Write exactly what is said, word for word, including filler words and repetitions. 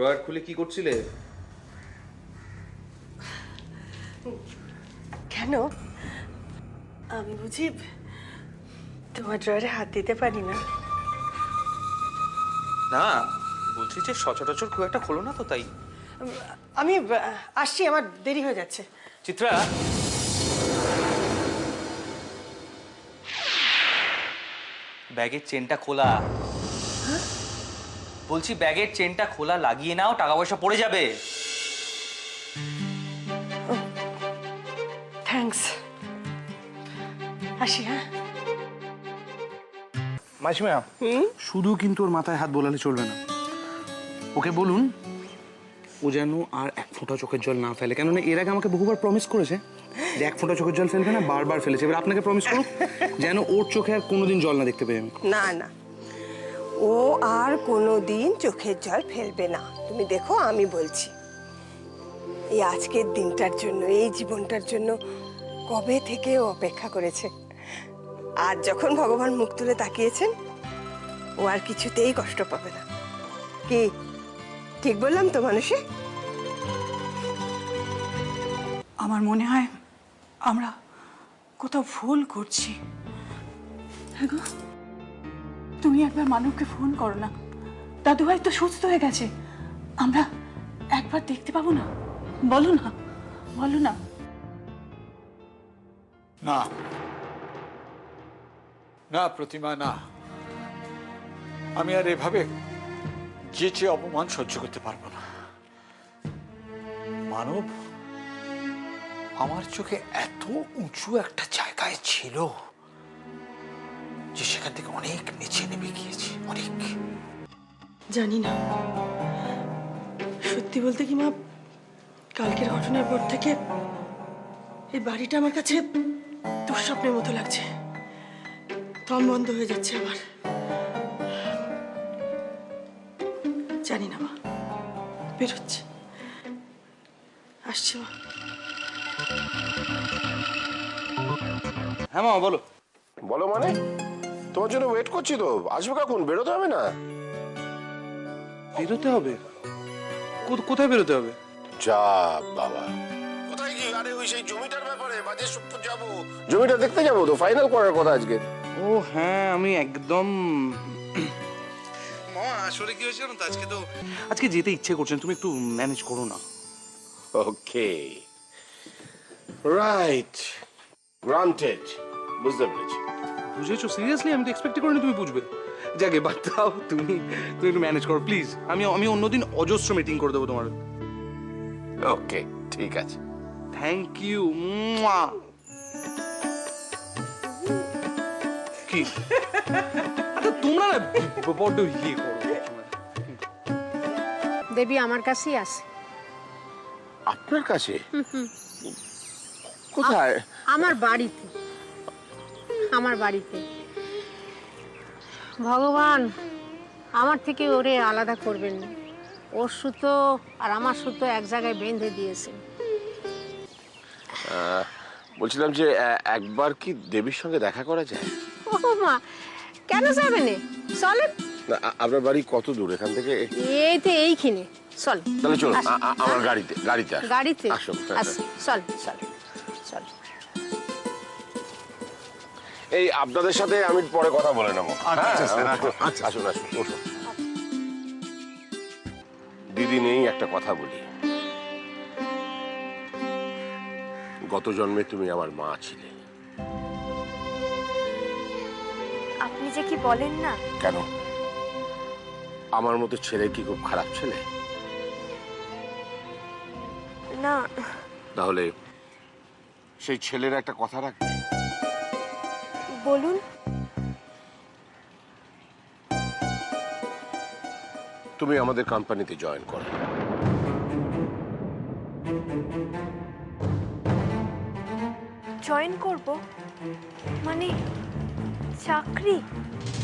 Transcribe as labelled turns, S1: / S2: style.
S1: Drawer খুলে কি করছিলে?
S2: কেন, আমি বুঝি তোমার ড্রয়ারে হাত দিতে পারি না?
S1: না, বলছি যে সচরাচর খুব একটা খোলো না তো, তাই।
S2: আমি আসছি, আমার দেরি হয়ে যাচ্ছে।
S1: চিত্রা, ব্যাগের চেনটা খোলা। বলছি ব্যাগের চেনটা খোলা, লাগিয়ে নাও, টাকা পয়সা পড়ে যাবে।
S2: থ্যাঙ্কস, আসি। হ্যাঁ
S3: মাসিমা, শুধু কিন্তু ওর মাথায় হাত বোলালে চলবে না। ওকে বলুন ও যেন আর এক ফোঁটা চোখের জল না ফেলে, কেননা এর আগে আমাকে বহুবার প্রমিস করেছে যে এক ফোঁটা চোখের জল ফেলবে না, বারবার ফেলেছে। এবার আপনাকে প্রমিস করুন যেন ওর চোখে আর কোনোদিন জল না দেখতে পাই আমি।
S2: না না, ও আর কোনোদিন চোখের জল ফেলবে না। তুমি দেখো, আমি বলছি, এই আজকের দিনটার জন্য, এই জীবনটার জন্য কবে থেকে ও অপেক্ষা করেছে। আর যখন ভগবান মুখ তুলে তাকিয়েছেন, ও আর কিছুতেই কষ্ট পাবে না। কি ঠিক বললাম তো মানুষে?
S4: আমার মনে হয় আমরা কোথাও ভুল করছি। হ্যাঁ গো, তুমি একবার মানবকে ফোন করো না। দাদুভাই তো সুস্থ হয়ে গেছে, আমরা একবার দেখতে পাবো না? বলো না, বলো না।
S5: না না প্রতিমা, না, আমি আর এভাবে যেচে অপমান সহ্য করতে পারবো না। মানব আমার চোখে এত উঁচু একটা জায়গায় ছিল যে সেখান থেকে অনেক নিচে নেমে গিয়েছি, অনেক।
S2: জানি না, সত্যি বলতে কি মা, কালকের ঘটনার পর থেকে এই বাড়িটা আমার কাছে দুঃস্বপ্নের মতো লাগছে। দম বন্ধ হয়ে যাচ্ছে আমার। জানি না মা, বেরোচ্ছে, আসছে মা।
S3: হ্যাঁ মা, বলো।
S6: বলো মানে? তোমার জন্য ওয়েট করছি তো, আসবে কখন? বেরোতে হবে না?
S3: বেরোতে হবে? কোথায় বেরোতে হবে?
S6: যা বাবা, কোথায় কি? আরে ওই সেই জমিটার ব্যাপারে বাজে যাবো, জমিটা দেখতে যাবো তো, ফাইনাল করার কথা আজকে।
S3: ও হ্যাঁ, আমি একদম মা, আসলে কি হয়েছে জানো তো, আজকে তো আজকে যেতে ইচ্ছে করছেন, তুমি একটু ম্যানেজ করো না।
S6: ওকে, রাইট, গ্রান্টেড, বুঝতে পেরেছি।
S3: বুঝেছো? সিরিয়াসলি আমি তো এক্সপেক্ট করিনি তুমি বুঝবে। যাকে বাদ দাও, তুমি তুমি একটু ম্যানেজ করো প্লিজ। আমি আমি অন্যদিন অজস্র মিটিং করে দেবো তোমার।
S6: ওকে, ঠিক আছে।
S3: Thank you. কি আচ্ছা, তোমরা না বড্ড ইয়ে করো।
S7: দেবী আমার কাছেই আছে।
S6: আপনার কাছে? কোথায়?
S7: আমার বাড়িতে, আমার বাড়িতে। ভগবান আমার থেকে ওরে আলাদা করবেন না। ওর সুতো আর আমার সুতো এক জায়গায় বেঁধে দিয়েছে।
S6: বলছিলাম যে একবার কি দেবীর সঙ্গে দেখা করা যায়?
S7: ও মা, কেন যাবে না? চলেন।
S6: আপনার বাড়ি কত দূর এখান থেকে?
S7: এই তো এইখানে, চল।
S6: তাহলে চলো, আমার গাড়িতে গাড়িতে
S7: গাড়িতে
S6: আসুন।
S7: চল চল চল।
S6: এই আপনাদের সাথে আমি পরে কথা বলে নেবো। আসুন আসুন, বসুন। দিদি নেই, একটা কথা বলি। গত জন্মে তুমি আমার মা ছিলে।
S8: আপনি যে কি বলেন না।
S6: কেন? আমার মতো ছেলে কি খুব খারাপ ছেলে?
S8: না।
S6: তাহলে সেই ছেলের একটা কথা রাখবে।
S8: বলুন।
S6: তুমি আমাদের কোম্পানিতে জয়েন করো।
S8: জয়েন করব? মানে চাকরি?